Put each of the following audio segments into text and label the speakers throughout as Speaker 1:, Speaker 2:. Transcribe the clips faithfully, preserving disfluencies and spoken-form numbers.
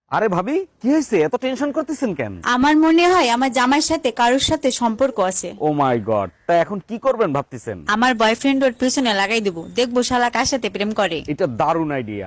Speaker 1: আরে ভাবি, কি হয়েছে? এত টেনশন করতেছেন কেন?
Speaker 2: আমার মনে হয় আমার জামাইয়ের সাথে কারোর সাথে সম্পর্ক আছে।
Speaker 1: ও মাই গড, তা এখন কি করবেন ভাবতেছেন?
Speaker 2: আমার বয়ফ্রেন্ড ওর পিছনে লাগাই দেবো, দেখবো শালা কার সাথে প্রেম করে।
Speaker 1: এটা দারুণ আইডিয়া।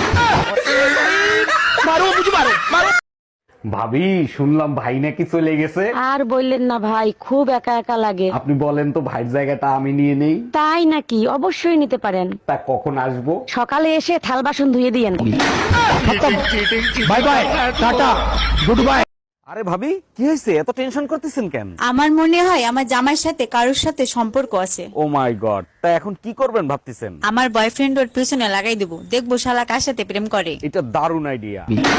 Speaker 1: ভাবি, শুনলাম ভাই নাকি চলে গেছে।
Speaker 3: আর বললেন না ভাই, খুব একা একা লাগে।
Speaker 1: আপনি বলেন তো ভাইয়ের জায়গাটা আমি নিয়ে নেই।
Speaker 3: তাই নাকি? অবশ্যই নিতে পারেন।
Speaker 1: তা কখন আসবো?
Speaker 3: সকালে এসে থাল বাসন ধুয়ে দিয়েন।
Speaker 1: Bye bye, tata, good bye. আরে ভাবি, কি হয়েছে? এত টেনশন করতেছেন কেন?
Speaker 2: আমার মনে হয় আমার জামাইয়ের সাথে কারোর সাথে সম্পর্ক আছে।
Speaker 1: ও মাই গড, তা এখন কি করবেন ভাবতেছেন?
Speaker 2: আমার বয়ফ্রেন্ড ওর পিছনে লাগাই দেবো, দেখবো শালা কার সাথে প্রেম করে।
Speaker 1: এটা দারুণ আইডিয়া।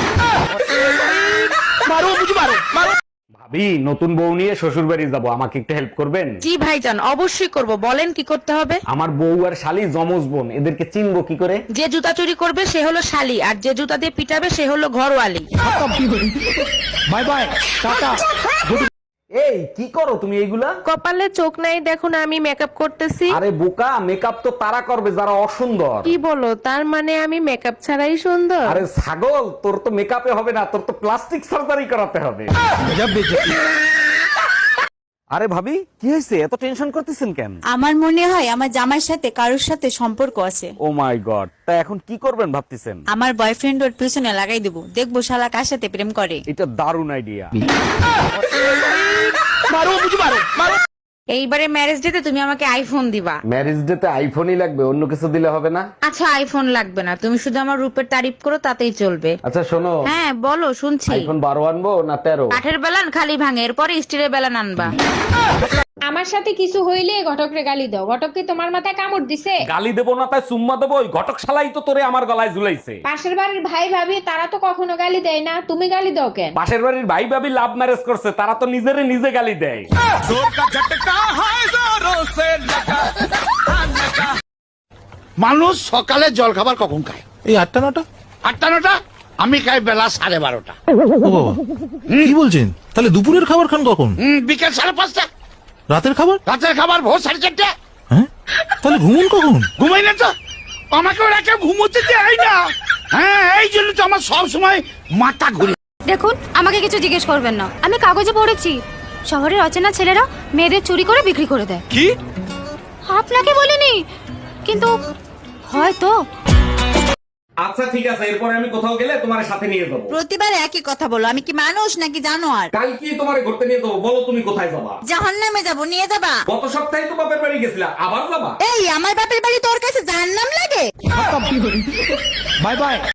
Speaker 1: ভাবি, নতুন বউ নিয়ে শ্বশুর বাড়ি যাবো, আমাকে একটু হেল্প করবেন?
Speaker 4: জি ভাইজান, অবশ্যই করব। বলেন কি করতে হবে?
Speaker 1: আমার বউ আর শালি জমজ বোন, এদেরকে চিনবো কি করে?
Speaker 4: যে জুতা চুরি করবে সে হলো শালি, আর যে জুতা দিয়ে পিটাবে সে হলো ঘরওয়ালি।
Speaker 1: By bye, tata. এই কি করো তুমি এইগুলা?
Speaker 4: কপালে চোখ নাই দেখো না, আমি মেকআপ করতেছি।
Speaker 1: আরে বোকা, মেকআপ তো তারা করবে যারা অসুন্দর।
Speaker 4: কি বলো? তার মানে আমি মেকআপ ছাড়াই সুন্দর?
Speaker 1: আরে ছাগল, তোর তো মেকআপে হবে না, তোর তো প্লাস্টিক সার্জারি করাতে হবে। আরে ভাবি, কি হয়েছে? এত টেনশন করতেছেন কেন?
Speaker 2: আমার মনে হয় আমার জামাইয়ের সাথে কারোর সাথে সম্পর্ক আছে।
Speaker 1: ও মাই গড, তা এখন কি করবেন ভাবতেছেন?
Speaker 2: আমার বয়ফ্রেন্ড ওর পিছনে লাগাই দেবো, দেখবো শালা কার সাথে প্রেম করে।
Speaker 1: এটা দারুণ আইডিয়া।
Speaker 4: এইবারে ম্যারেজ ডেতে তুমি আমাকে আইফোন দিবা।
Speaker 1: ম্যারেজ ডে তে আইফোনই লাগবে, অন্য কিছু দিলে হবে না?
Speaker 4: আচ্ছা, আইফোন লাগবে না, তুমি শুধু আমার রূপের তারিফ করো, তাতেই চলবে।
Speaker 1: আচ্ছা শোনো,
Speaker 4: হ্যাঁ বলো, শুনছি।
Speaker 1: আইফোন বারো আনবো না তেরো?
Speaker 4: কাঠের বেলান খালি ভাঙে, এরপরে স্টিলের বেলান আনবা।
Speaker 5: আমার সাথে কিছু হইলে ঘটকরে গালি দাও। ঘটক কি তোমার মাথায় কামড় দিছে?
Speaker 1: গালি দেবো না তাই চুম্মা দেবো? ওই ঘটক শালাই তো তোরে আমার গলায় ঝুলাইছে।
Speaker 5: পাশের বাড়ির ভাই ভাবি তারা তো কখনো গালি দেয় না, তুমি গালি দাও কেন?
Speaker 1: পাশের বাড়ির ভাই ভাবি লাভ ম্যারেজ করছে, তারা তো নিজেরে নিজে গালি দেয়।
Speaker 6: মানুষ সকালে জল খাবার কখন খায়?
Speaker 7: এই আটটা নটা।
Speaker 6: আটটা নটা? আমি খাই বেলা সাড়ে বারোটা।
Speaker 7: ও বাবা, কি বলছেন? তাহলে দুপুরের খাবার খান কখন?
Speaker 6: হুম, বিকেল সাড়ে পাঁচটা।
Speaker 7: রাতের খাবার?
Speaker 6: রাতের খাবার ভোর সাড়ে চারটে।
Speaker 7: হ্যাঁ, তাহলে ঘুমুন কখন?
Speaker 6: ঘুমাই না তো, আমাকে ওরা কেউ ঘুমোতে দেয় না। হ্যাঁ, এই জন্য তো আমার সব সময় মাথা ঘুরে।
Speaker 8: দেখুন, আমাকে কিছু জিজ্ঞেস করবেন না। আমি কাগজে পড়েছি শহরের অচেনা ছেলেরা মেয়েদের চুরি করে বিক্রি করে দেয়।
Speaker 7: কি?
Speaker 8: আপনাকে বলিনি, কিন্তু হয়তো।
Speaker 1: আচ্ছা ঠিক আছে, এরপরে আমি কোথাও গেলে তোমার সাথে নিয়ে যাবো।
Speaker 2: প্রতিবার একই কথা বলো, আমি কি মানুষ নাকি জানোয়ার?
Speaker 1: কাল কি তোমার ঘুরতে নিয়ে যাবো? বলো তুমি কোথায় যাবা?
Speaker 2: জাহান্নামে যাবো, নিয়ে যাবা?
Speaker 1: গত সপ্তাহে তো বাপের বাড়ি গেছিলা, আবার যাবা?
Speaker 2: এই আমার বাপের বাড়ি তোর কাছে জাহান্নাম লাগে?
Speaker 1: Bye by.